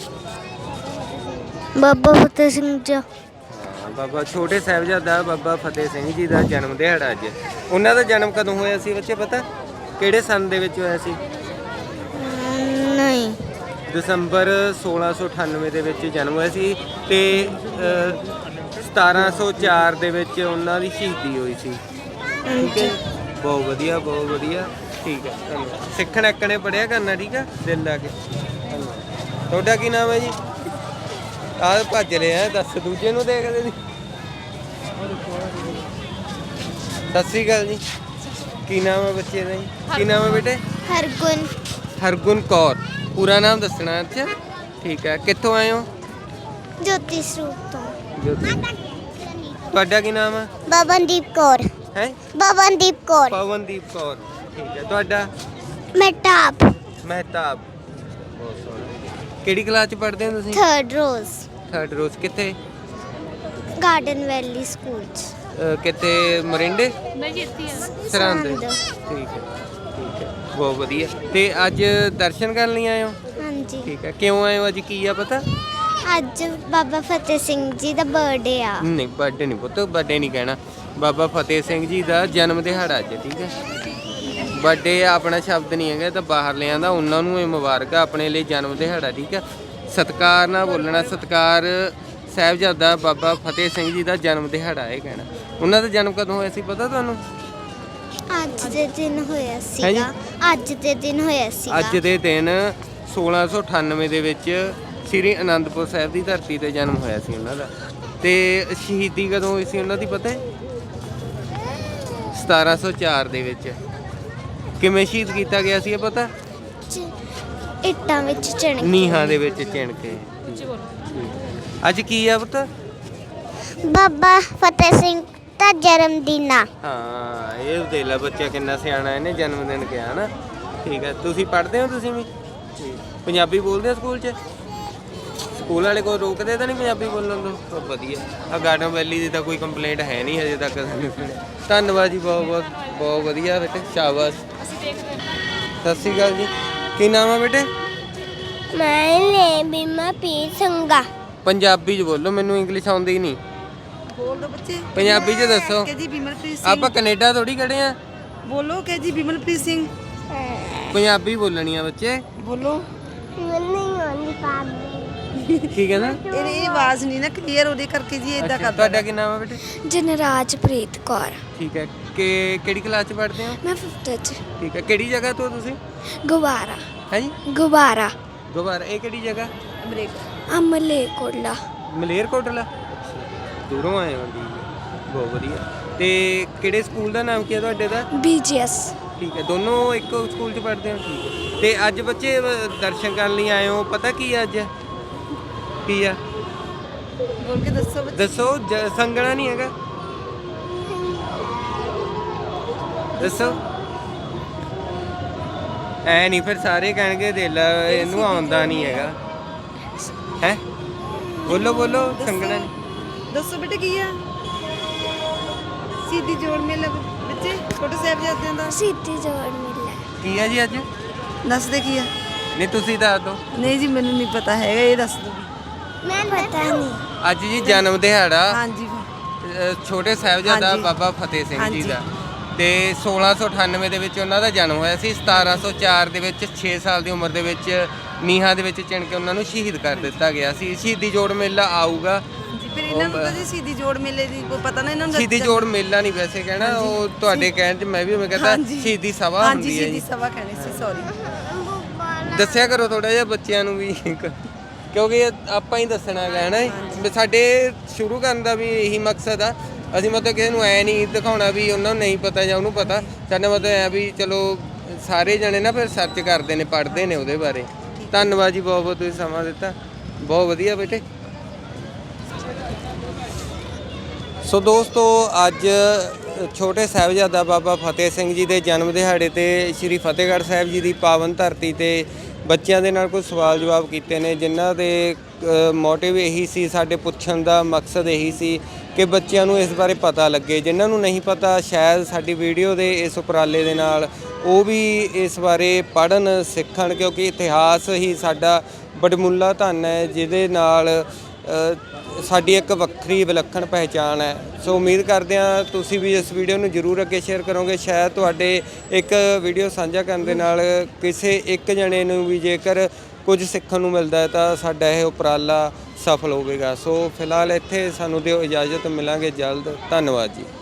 Speaker 2: ਬਾਬਾ ਫਤਿਹ ਸਿੰਘ ਜੀ।
Speaker 1: ਹਾਂ, ਬਾਬਾ ਛੋਟੇ ਸਾਹਿਬਜ਼ਾਦਾ ਬਾਬਾ ਫਤਿਹ ਸਿੰਘ ਜੀ ਦਾ ਜਨਮ ਦਿਹਾੜਾ ਅੱਜ। ਉਹਨਾਂ ਦਾ ਜਨਮ ਕਦੋਂ ਹੋਇਆ ਸੀ ਬੱਚੇ ਪਤਾ? ਕਿਹੜੇ ਸੰਨ ਦੇ ਵਿੱਚ ਹੋਇਆ ਸੀ?
Speaker 2: ਅਮ, ਨਹੀਂ।
Speaker 1: ਦਸੰਬਰ ਸੋਲਾਂ ਸੌ ਅਠਾਨਵੇਂ ਦੇ ਵਿੱਚ ਜਨਮ ਹੋਇਆ ਸੀ ਤੇ ਅ, ਸਤਾਰਾਂ ਸੌ ਚਾਰ ਦੇ ਵਿੱਚ ਉਹਨਾਂ ਦੀ ਸ਼ਹੀਦੀ ਹੋਈ ਸੀ। ਠੀਕ ਹੈ ਜੀ? ਬਹੁਤ ਵਧੀਆ, ਬਹੁਤ ਵਧੀਆ। ਠੀਕ ਹੈ, ਧੰਨਵਾਦ। ਸਿੱਖਣ ਐਕਣੇ ਪੜ੍ਹਿਆ ਕਰਨਾ, ਠੀਕ ਆ, ਦਿਲ ਲਾ ਕੇ। ਧੰਨਵਾਦ। ਤੁਹਾਡਾ ਕੀ ਨਾਮ ਹੈ ਜੀ? ਆਹ ਭੱਜ ਰਿਹਾ, ਦੱਸ ਦੂਜੇ ਨੂੰ ਦੇਖਦੇ ਨਹੀਂ। ਸਤਿ ਸ਼੍ਰੀ ਅਕਾਲ ਜੀ। ਕੀ ਨਾਮ ਹੈ ਬੱਚੇ ਦਾ ਜੀ? ਕੀ ਨਾਮ ਹੈ ਬੇਟੇ?
Speaker 2: ਹਰਗੁਣ।
Speaker 1: ਹਰਗੁਣ ਕੌਰ। ਪੂਰਾ ਨਾਮ ਦੱਸਣਾ। ਅੱਛਾ, ਠੀਕ ਹੈ। ਕਿੱਥੋਂ ਆਏ ਹੋ?
Speaker 2: ਜੋਤੀ ਸਰੂਪ ਤੋਂ।
Speaker 1: ਜੋਤੀ। ਤੁਹਾਡਾ ਕੀ ਨਾਮ ਹੈ?
Speaker 2: ਬਬਨਦੀਪ ਕੌਰ।
Speaker 1: ਹੈ
Speaker 2: ਬਬਨਦੀਪ ਕੌਰ।
Speaker 1: ਪਵਨਦੀਪ ਕੌਰ। ਠੀਕ ਹੈ। ਤੁਹਾਡਾ?
Speaker 2: ਮਹਿਤਾਬ।
Speaker 1: ਮਹਿਤਾਬ। ਬਹੁਤ ਸੋਹਣਾ। ਕਿਹੜੀ ਕਲਾਸ ਚ ਪੜ੍ਹਦੇ ਹੋ ਤੁਸੀਂ?
Speaker 2: Third rose.
Speaker 1: Third rose. ਕਿੱਥੇ?
Speaker 2: ਗਾਰਡਨ ਵੈਲੀ ਸਕੂਲ ਚ।
Speaker 1: ਅਹ ਕਿੱਥੇ? ਮਰਿੰਡੇ?
Speaker 6: ਮੈਂ ਜਿੱਤੀ ਆ
Speaker 1: ਸਰਹੰਦ।
Speaker 2: ਸਰਹੰਦ।
Speaker 1: ਠੀਕ ਹੈ, ਠੀਕ ਹੈ। ਬਹੁਤ ਵਧੀਆ। ਤੇ ਅੱਜ ਦਰਸ਼ਨ ਕਰਨ ਲਈ ਆਏ ਹੋ?
Speaker 2: ਹਾਂਜੀ।
Speaker 1: ਠੀਕ ਹੈ। ਕਿਉਂ ਆਏ ਹੋ? ਅੱਜ ਕੀ ਆ ਪਤਾ?
Speaker 2: ਅੱਜ ਬਾਬਾ ਫਤਿਹ ਸਿੰਘ ਜੀ ਦਾ ਬਰਥਡੇ ਆ।
Speaker 1: ਨਹੀਂ, ਬਰਥਡੇ ਨਹੀਂ ਪੁੱਤ, ਬਰਥਡੇ ਨਹੀਂ ਕਹਿਣਾ। ਬਾਬਾ ਫਤਿਹ ਸਿੰਘ ਜੀ ਦਾ ਜਨਮ ਦਿਹਾੜਾ ਅੱਜ, ਠੀਕ ਹੈ। ਬਰਥਡੇ ਆਪਣਾ ਸ਼ਬਦ ਨਹੀਂ ਹੈਗਾ, ਇਹ ਤਾਂ ਬਾਹਰ ਲਿਆਂਦਾ। ਉਹਨਾਂ ਨੂੰ ਇਹ ਮੁਬਾਰਕ ਆ, ਆਪਣੇ ਲਈ ਜਨਮ ਦਿਹਾੜਾ, ਠੀਕ ਹੈ। ਸਤਿਕਾਰ ਨਾਲ ਬੋਲਣਾ। ਸਤਿਕਾਰ ਸਾਹਿਬਜ਼ਾਦਾ ਬਾਬਾ ਫਤਿਹ ਸਿੰਘ ਜੀ ਦਾ ਜਨਮ ਦਿਹਾੜਾ ਇਹ ਕਹਿਣਾ। ਉਹਨਾਂ ਦਾ ਜਨਮ ਕਦੋਂ ਹੋਇਆ ਸੀ ਪਤਾ ਤੁਹਾਨੂੰ?
Speaker 2: ਅੱਜ ਦੇ ਦਿਨ ਹੋਇਆ
Speaker 1: ਹੈਂ ਜੀ?
Speaker 2: ਸੀਗਾ। ਅੱਜ ਦੇ ਦਿਨ ਹੋਇਆ ਸੀਗਾ।
Speaker 1: ਅੱਜ ਦੇ ਦਿਨ ਸੋਲਾਂ ਸੌ ਅਠਾਨਵੇਂ ਦੇ ਵਿੱਚ ਸ੍ਰੀ ਅਨੰਦਪੁਰ ਸਾਹਿਬ ਦੀ ਧਰਤੀ ਤੇ ਜਨਮ ਹੋਇਆ ਸੀ ਉਹਨਾਂ ਦਾ। ਤੇ ਸ਼ਹੀਦੀ ਕਦੋਂ ਹੋਈ ਸੀ ਉਹਨਾਂ ਦੀ ਪਤਾ ਹੈ? ਸਤਾਰਾਂ ਸੌ ਚਾਰ ਦੇ ਵਿੱਚ। ਕਿਵੇਂ ਸ਼ਹੀਦ ਕੀਤਾ ਗਿਆ ਸੀ ਇਹ ਪਤਾ?
Speaker 2: ਚ- ਇੱਟਾਂ ਵਿੱਚ ਚਿਣ ਕੇ।
Speaker 1: ਨੀਹਾਂ ਦੇ ਵਿੱਚ ਚਿਣ ਕੇ। ਅੱਜ ਕੀ ਆ ਪੁੱਤ?
Speaker 2: ਬਾਬਾ ਫਤਿਹ ਸਿੰਘ ਦਾ ਜਨਮ ਦਿਨ ਆ।
Speaker 1: ਹਾਂ, ਇਹ ਦੇਖ ਲੈ ਬੱਚਾ ਕਿੰਨਾ ਸਿਆਣਾ, ਇਹਨੇ ਜਨਮ ਦਿਨ ਕਿਹਾ ਨਾ। ਠੀਕ ਹੈ। ਤੁਸੀਂ ਪੜ੍ਹਦੇ ਹੋ? ਤੁਸੀਂ ਵੀ ਪੰਜਾਬੀ ਬੋਲਦੇ ਹੋ ਸਕੂਲ 'ਚ? ਸਕੂਲ ਵਾਲੇ ਕੋਈ ਰੋਕਦੇ ਤਾਂ ਨਹੀਂ ਪੰਜਾਬੀ ਬੋਲਣ ਤੋਂ? ਬਹੁਤ ਵਧੀਆ। ਆ ਗਾਰਡਨ ਵੈਲੀ ਦੀ ਤਾਂ ਕੋਈ ਕੰਪਲੇਂਟ ਹੈ ਨਹੀਂ ਹਜੇ ਤੱਕ ਸਾਨੂੰ ਸੁਣਿਆ। ਧੰਨਵਾਦ ਜੀ, ਬਹੁਤ ਬਹੁਤ ਬਹੁਤ ਵਧੀਆ ਬੇਟੇ, ਸ਼ਾਬਾਸ਼। ਸਤਿ ਸ਼੍ਰੀ ਅਕਾਲ ਜੀ। ਕੀ ਨਾਮ ਆ ਬੇਟੇ?
Speaker 2: ਮੈਂ ਨੇ ਬਿਮਾ ਪੀ ਸੰਗਾ।
Speaker 1: ਪੰਜਾਬੀ 'ਚ ਬੋਲੋ, ਮੈਨੂੰ ਇੰਗਲਿਸ਼ ਆਉਂਦੀ ਨਹੀਂ।
Speaker 8: ਬੋਲ ਦੋ ਬੱਚੇ।
Speaker 1: ਪੰਜਾਬੀ 'ਚ ਦੱਸੋ।
Speaker 8: ਕੇ ਜੀ ਬਿਮਲਪ੍ਰੀਤ ਸਿੰਘ।
Speaker 1: ਆਪਾਂ ਕੈਨੇਡਾ ਥੋੜੀ ਖੜੇ ਆ।
Speaker 8: ਬੋਲੋ ਕੇ ਜੀ ਬਿਮਲਪ੍ਰੀਤ ਸਿੰਘ।
Speaker 1: ਪੰਜਾਬੀ ਬੋਲਣੀ ਆ ਬੱਚੇ।
Speaker 8: ਬੋਲੋ।
Speaker 1: ਕੀ ਕਹਿੰਦਾ?
Speaker 8: ਇਹ ਇਹ ਆਵਾਜ਼ ਨਹੀਂ ਨਾ ਕਲੀਅਰ ਉਹਦੇ ਕਰਕੇ ਜੀ ਇਦਾਂ
Speaker 1: ਅੱਛਾ,
Speaker 8: ਕਰਦਾ।
Speaker 1: ਤੁਹਾਡਾ ਕੀ ਨਾਮ ਆ ਬੇਟੇ?
Speaker 2: ਜਨਰਾਜਪ੍ਰੀਤ ਕੌਰ।
Speaker 1: ਠੀਕ ਹੈ। ਕਿ ਕਿਹੜੀ ਕਲਾਸ 'ਚ ਪੜ੍ਹਦੇ ਹੋ?
Speaker 2: ਮੈਂ ਫਿਫਥ ਚ।
Speaker 1: ਠੀਕ ਹੈ। ਕਿਹੜੀ ਜਗ੍ਹਾ ਤੋਂ ਤੁਸੀਂ?
Speaker 2: ਗੁਬਾਰਾ।
Speaker 1: ਹੈ ਜੀ?
Speaker 2: ਗੁਬਾਰਾ।
Speaker 1: ਗਵਾਰ। ਇਹ ਕਿਹੜੀ ਜਗ੍ਹਾ?
Speaker 2: ਅਮਲੇ ਕੋਲਾ।
Speaker 1: ਮਲੇਰਕੋਟਲਾ। ਦੂਰੋਂ ਆਏ ਹੋ ਜੀ, ਬਹੁਤ ਵਧੀਆ। ਤੇ ਕਿਹੜੇ ਸਕੂਲ ਦਾ ਨਾਮ ਕੀ ਹੈ ਤੁਹਾਡੇ ਦਾ?
Speaker 2: ਬੀਜੀਐਸ।
Speaker 1: ਠੀਕ ਹੈ। ਦੋਨੋਂ ਇੱਕੋ ਸਕੂਲ 'ਚ ਪੜ੍ਹਦੇ ਹੋ? ਠੀਕ ਹੈ। ਤੇ ਅੱਜ ਬੱਚੇ ਅ, ਦਰਸ਼ਨ ਕਰਨ ਲਈ ਆਏ ਹੋ, ਪਤਾ ਕੀ ਹੈ ਅੱਜ? ਕੀ ਆ?
Speaker 8: ਬੋਲ ਕੇ ਦੱਸੋ ਬੱਚੇ।
Speaker 1: ਦੱਸੋ। ਜ- ਸੰਗਣਾ ਨਹੀਂ ਹੈਗਾ? ਦੱਸੋ। ਐ ਨਹੀਂ ਫਿਰ ਸਾਰੇ ਕਹਿਣਗੇ ਦੇ ਲੈ ਇਹਨੂੰ ਆਉਂਦਾ ਨਹੀਂ ਹੈਗਾ। ਹੈ ਬੋਲੋ ਬੋਲੋ। ਸੰਗਣਾ ਨਹੀਂ।
Speaker 8: ਦੱਸੋ ਬੇਟੇ ਕੀ ਆ? ਸਿੱਧੀ ਜੋੜ ਮੇਲਾ ਬੱਚੇ ਛੋਟੇ ਸਾਹਿਬਜ਼ਾਦਿਆਂ ਦਾ।
Speaker 2: ਸਿੱਧੀ ਜੋੜ ਮਿਲਿਆ।
Speaker 1: ਕੀ ਆ ਜੀ ਅੱਜ?
Speaker 8: ਦੱਸ ਦੇ ਕੀ ਆ?
Speaker 1: ਨਹੀਂ ਤੁਸੀਂ ਦੱਸ ਦਿਓ।
Speaker 8: ਨਹੀਂ ਜੀ ਮੈਨੂੰ ਨਹੀਂ ਪਤਾ ਹੈਗਾ, ਇਹ ਦੱਸ ਦੋ।
Speaker 2: ਮੈਂ ਪਤਾ ਨਹੀਂ।
Speaker 1: ਅੱਜ ਜੀ ਜਨਮ ਦਿਹਾੜਾ
Speaker 8: ਹਾਂਜੀ
Speaker 1: ਅ, ਛੋਟੇ ਸਾਹਿਬਜ਼ਾਦਾ
Speaker 8: ਹਾਂਜੀ।
Speaker 1: ਬਾਬਾ ਫਤਿਹ ਸਿੰਘ ਜੀ
Speaker 8: ਹਾਂਜੀ।
Speaker 1: ਦਾ। ਤੇ ਸੋਲਾਂ ਸੌ ਅਠਾਨਵੇਂ ਦੇ ਵਿੱਚ ਉਹਨਾਂ ਦਾ ਜਨਮ ਹੋਇਆ ਸੀ। ਸਤਾਰਾਂ ਸੌ ਚਾਰ ਦੇ ਵਿੱਚ ਛੇ ਸਾਲ ਦੀ ਉਮਰ ਦੇ ਵਿੱਚ ਨੀਹਾਂ ਦੇ ਵਿੱਚ ਚਿਣ ਕੇ ਉਹਨਾਂ ਨੂੰ ਸ਼ਹੀਦ ਕਰ ਦਿੱਤਾ ਗਿਆ ਸੀ। ਸ਼ਹੀਦੀ ਜੋੜ ਮੇਲਾ ਆਊਗਾ।
Speaker 8: ਜੀ ਫਿਰ ਇਹਨਾਂ ਨੂੰ ਤਾਂ ਜੀ ਸਿੱਧੀ ਜੋੜ ਮੇਲੇ ਦੀ ਕੋਈ ਪਤਾ ਨਾ ਇਹਨਾਂ ਨੂੰ।
Speaker 1: ਸ਼ਹੀਦੀ ਜੋੜ ਮੇਲਾ ਨਹੀਂ ਵੈਸੇ ਕਹਿਣਾ, ਉਹ ਤੁਹਾਡੇ ਕਹਿਣ 'ਚ ਮੈਂ ਵੀ ਉਵੇਂ ਕਹਿੰਦਾ
Speaker 8: ਹਾਂਜੀ।
Speaker 1: ਸ਼ਹੀਦੀ ਸਭਾ
Speaker 8: ਹਾਂਜੀ
Speaker 1: ਹੁੰਦੀ ਹੈ
Speaker 8: ਸਿੱਧੀ
Speaker 1: ਜੀ।
Speaker 8: ਸਭਾ ਕਹਿਣੀ ਸੀ, ਸੌਰੀ।
Speaker 1: ਦੱਸਿਆ ਕਰੋ ਥੋੜਾ ਜਿਹਾ ਬੱਚਿਆਂ ਨੂੰ ਵੀ, ਕਿਉਂਕਿ ਇਹ ਆਪਾਂ ਹੀ ਦੱਸਣਾ ਹੈਗਾ ਹੈ ਨਾ। ਵੀ ਸਾਡੇ ਸ਼ੁਰੂ ਕਰਨ ਦਾ ਵੀ ਇਹੀ ਮਕਸਦ ਆ ਅਸੀਂ ਮਤਲਬ ਕਿਸੇ ਨੂੰ ਐ ਨਹੀਂ ਦਿਖਾਉਣਾ ਵੀ ਉਹਨਾਂ ਨੂੰ ਨਹੀਂ ਪਤਾ ਜਾਂ ਉਹਨੂੰ ਪਤਾ। ਸਾਡਾ ਮਤਲਬ ਐ ਵੀ ਚਲੋ ਸਾਰੇ ਜਣੇ ਨਾ ਫਿਰ ਸਰਚ ਕਰਦੇ ਨੇ, ਪੜ੍ਹਦੇ ਨੇ ਉਹਦੇ ਬਾਰੇ। ਧੰਨਵਾਦ ਜੀ, ਬਹੁਤ ਬਹੁਤ ਤੁਸੀਂ ਸਮਾਂ ਦਿੱਤਾ, ਬਹੁਤ ਵਧੀਆ ਬੇਟੇ। ਸੋ ਦੋਸਤੋ, ਅੱਜ ਛੋਟੇ ਸਾਹਿਬਜ਼ਾਦਾ ਬਾਬਾ ਫਤਿਹ ਸਿੰਘ ਜੀ ਦੇ ਜਨਮ ਦਿਹਾੜੇ ਤੇ ਸ਼੍ਰੀ ਫਤਿਹਗੜ੍ਹ ਸਾਹਿਬ ਜੀ ਦੀ ਪਾਵਨ ਧਰਤੀ ਤੇ ਬੱਚਿਆਂ ਦੇ ਨਾਲ ਕੁਝ ਸਵਾਲ ਜਵਾਬ ਕੀਤੇ ਨੇ, ਜਿਨ੍ਹਾਂ ਦੇ ਮੋਟਿਵ ਇਹੀ ਸੀ, ਸਾਡੇ ਪੁੱਛਣ ਦਾ ਮਕਸਦ ਇਹੀ ਸੀ ਕਿ ਬੱਚਿਆਂ ਨੂੰ ਇਸ ਬਾਰੇ ਪਤਾ ਲੱਗੇ। ਜਿਨ੍ਹਾਂ ਨੂੰ ਨਹੀਂ ਪਤਾ, ਸ਼ਾਇਦ ਸਾਡੀ ਵੀਡੀਓ ਦੇ ਇਸ ਉਪਰਾਲੇ ਦੇ ਨਾਲ ਉਹ ਵੀ ਇਸ ਬਾਰੇ ਪੜ੍ਹਨ ਸਿੱਖਣ, ਕਿਉਂਕਿ ਇਤਿਹਾਸ ਹੀ ਸਾਡਾ ਵਡਮੁੱਲਾ ਧਨ ਹੈ, ਜਿਹਦੇ ਨਾਲ ਸਾਡੀ ਇੱਕ ਵੱਖਰੀ ਵਿਲੱਖਣ ਪਹਿਚਾਣ ਹੈ। ਸੋ ਉਮੀਦ ਕਰਦੇ ਹਾਂ ਤੁਸੀਂ ਵੀ ਇਸ ਵੀਡੀਓ ਨੂੰ ਜ਼ਰੂਰ ਅੱਗੇ ਸ਼ੇਅਰ ਕਰੋਗੇ। ਸ਼ਾਇਦ ਤੁਹਾਡੇ ਇੱਕ ਵੀਡੀਓ ਸਾਂਝਾ ਕਰਨ ਦੇ ਨਾਲ ਕਿਸੇ ਇੱਕ ਜਣੇ ਨੂੰ ਵੀ ਜੇਕਰ ਕੁਝ ਸਿੱਖਣ ਨੂੰ ਮਿਲਦਾ ਹੈ ਤਾਂ ਸਾਡਾ ਇਹ ਉਪਰਾਲਾ ਸਫਲ ਹੋਵੇਗਾ। ਸੋ ਫਿਲਹਾਲ ਇੱਥੇ ਸਾਨੂੰ ਦਿਓ ਇਜਾਜ਼ਤ, ਮਿਲਾਂਗੇ ਜਲਦ। ਧੰਨਵਾਦ ਜੀ।